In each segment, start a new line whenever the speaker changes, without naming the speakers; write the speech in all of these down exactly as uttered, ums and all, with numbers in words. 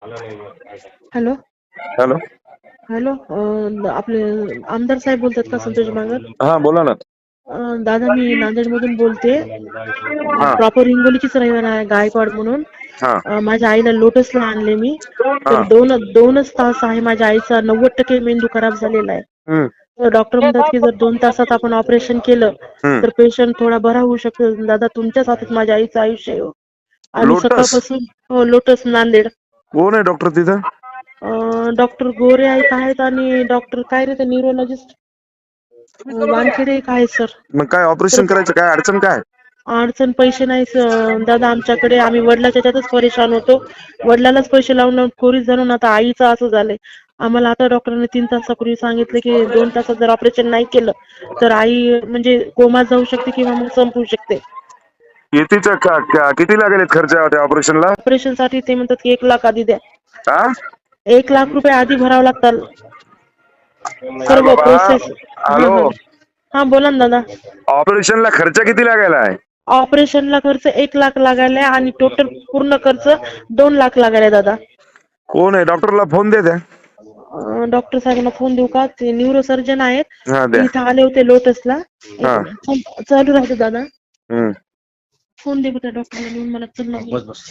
Hello
hello.
Hello अं, आपले आमदार साहेब बोलतात का? संतोष बांगर.
हा बोला ना.
अं, दादा मी नांदेड मधून बोलते.
हा
प्रॉपर हिंगोलीचीच रहिवासी आहे, गायकवाड म्हणून.
हा
अं, माझ्या आईला लोटसला आणले मी. तर
हा
दोन दोनच तास आहे माझ्या आईचा नव्वद टक्के मेंदू खराब झालेला आहे.
हम्म
तर डॉक्टर म्हणतात की जर दोन तासात आपण ऑपरेशन केलं
हम्म
तर पेशंट थोडा बरा होऊ शकतो. दादा तुमच्याच हातात माझ्या आईचं आयुष्य आहे हो. आणि
लोटस
सकाळपासून हो, लोटस नांदेड.
कोण आहे डॉक्टर तिथं?
डॉक्टर गोरे एक आहेत आणि डॉक्टर काय रे ते न्यूरोलॉजिस्ट वानखेडे एक आहे सर.
मग काय
तर
ऑपरेशन करायचं, काय अडचण काय?
अडचण पैसे नाही स- दादा आमच्याकडे. आम्ही वडिलाच्या त्यातच परेशान होतो. वडिलालाच पैसे लावून लावून कोरीस जाणून आता आईचं असं झालंय. आम्हाला आता डॉक्टरांनी तीन तासापूर्वी सांगितलं की दोन तासात जर ऑपरेशन नाही केलं तर आई म्हणजे कोमात जाऊ शकते किंवा मग संपू शकते.
कितीचा का- का- किती लागेल खर्च त्या ऑपरेशनला?
ऑपरेशन साठी ते म्हणतात की एक लाख आधी द्या.
हा
एक लाख रुपये आधी भरावं लागतात.
अरे
सर्व
बाबा.
प्रोसेस. हा
हॅलो.
हा हा बोला ना दादा.
ऑपरेशनला खर्च किती लागायला आहे?
ऑपरेशनला खर्च एक लाख लागायला आणि टोटल पूर्ण खर्च दोन लाख लागायला दादा.
कोण आहे? डॉक्टरला फोन दे द्या.
अं, डॉक्टर साहेबांना फोन देऊ का? ते न्यूरो सर्जन आहेत.
हा
ते
द्या.
इथं आले होते लोटसला. एक
हा
मिनिट फोन चालू राहतो दादा.
हम्म
फोन दे बघा डॉक्टरला नेऊन मला चल ना.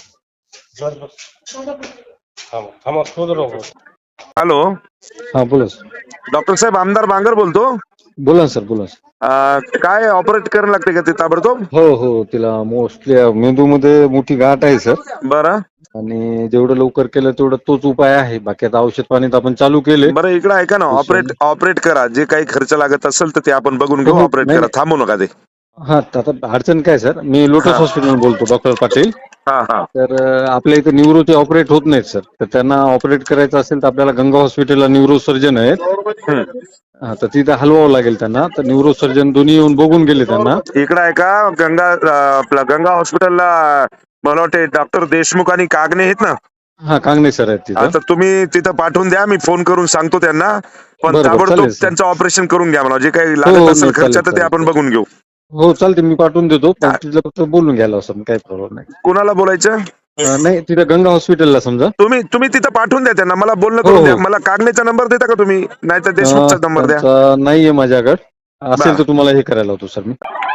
हॅलो.
हा बोला सर.
डॉक्टर साहेब आमदार बांगर बोलतो.
बोला ना सर, बोला सर.
अं, काय ऑपरेट करायला लागते का ते ताबडतोब?
हो हो, तिला मोस्टली मेंदूमध्ये मोठी गाठ आहे सर.
बरं
आणि जेवढं लवकर केलं तेवढं तोच उपाय आहे. बाकी आता औषध पाणी तर आपण चालू केले.
बरं इकडे ऐका ना, ऑपरेट ऑपरेट करा. जे काही खर्च लागत असेल तर ते आपण बघून
हो
घेऊ.
हो,
ऑपरेट
नाही
करा,
नाही.
थांबू नका ते.
हा आता अडचण काय सर, मी लोटस
हा
हॉस्पिटल बोलतो, डॉक्टर पाटील.
हा हा
तर अं, आपल्या इथे न्यूरोचे ऑपरेट होत नाहीत सर. तर त्यांना ऑपरेट करायचं असेल तर आपल्याला गंगा हॉस्पिटलला न्यूरो सर्जन आहेत.
हम्म.
हा, तर तिथे हलवावं लागेल त्यांना. तर न्यूरो सर्जन दोन्ही येऊन बघून गेले त्यांना.
इकडे आहे का गंगा अं, आपला गंगा हॉस्पिटलला मला वाटते डॉक्टर देशमुख आणि कागणे आहेत ना?
हा, कांगणे सर आहेत तिथं.
आता तुम्ही तिथं पाठवून द्या, मी फोन करून सांगतो त्यांना. पण
बरं बरं,
ताबडतोब
चालेल सर.
त्यांचं ऑपरेशन करून घ्या. मला जे काही
हो
लागत
हो,
असेल
नाही
खर्च
चालेल
तर ते
चालेल
आपण
चालेल.
बघून घेऊ.
हो चालते, मी पाठवून देतो. पण तिथलं फक्त बोलून घ्यायला असं काही प्रॉब्लेम नाही.
कोणाला बोलायचं?
अं, नाही, तिथं गंगा हॉस्पिटलला समजा.
तुम्ही तुम्ही तिथं पाठवून द्या त्यांना. मला बोलणं
हो
करून द्या.
हो.
मला कागणेचा नंबर देता का तुम्ही? नाही तर देशमुखचा
अं,
नंबर द्या.
त्यांचा नाहीये माझ्याकडे. असेल
बर.
तर तुम्हाला हे करायला होतो सर मी.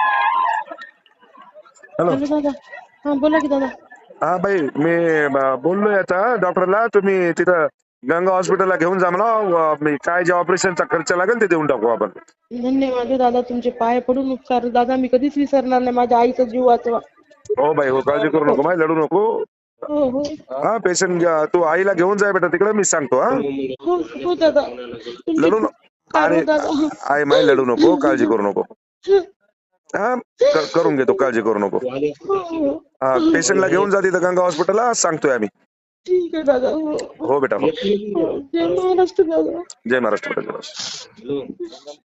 हॅलो.
हॅलो दादा. हा बोला की दादा.
हा भाई, मी ब- बोललोय आता डॉक्टरला. तुम्ही तिथं गंगा हॉस्पिटलला घेऊन जा म्हणा. व- मी काय जे ऑपरेशनचा खर्च लागेल ते देऊन टाकू आपण.
धन्यवाद हो दादा, तुमचे पाय पडून उपकार. दादा मी कधीच विसरणार नाही. माझ्या आईचा जीव वाचवा.
हो भाई हो, काळजी करू नको भाई, लढू नको.
हो हो
हा पेशंट तू आईला घेऊन जाय बेटा तिकडे, मी सांगतो. हा
हो हो दादा, तुमचे
लढू
खूप
नको.
उपकार
आणि
हो दादा.
आई माई लढू नको, काळजी करू नको. हा क- करून घेतो, काळजी करू नको.
हो हो
हा पेशंटला घेऊन जा तिथं गंगा हॉस्पिटलला, सांगतोय आम्ही.
ठीक आहे दादा. हो
हो बेटा हो.
हो. जय महाराष्ट्र दादा.
जय महाराष्ट्र.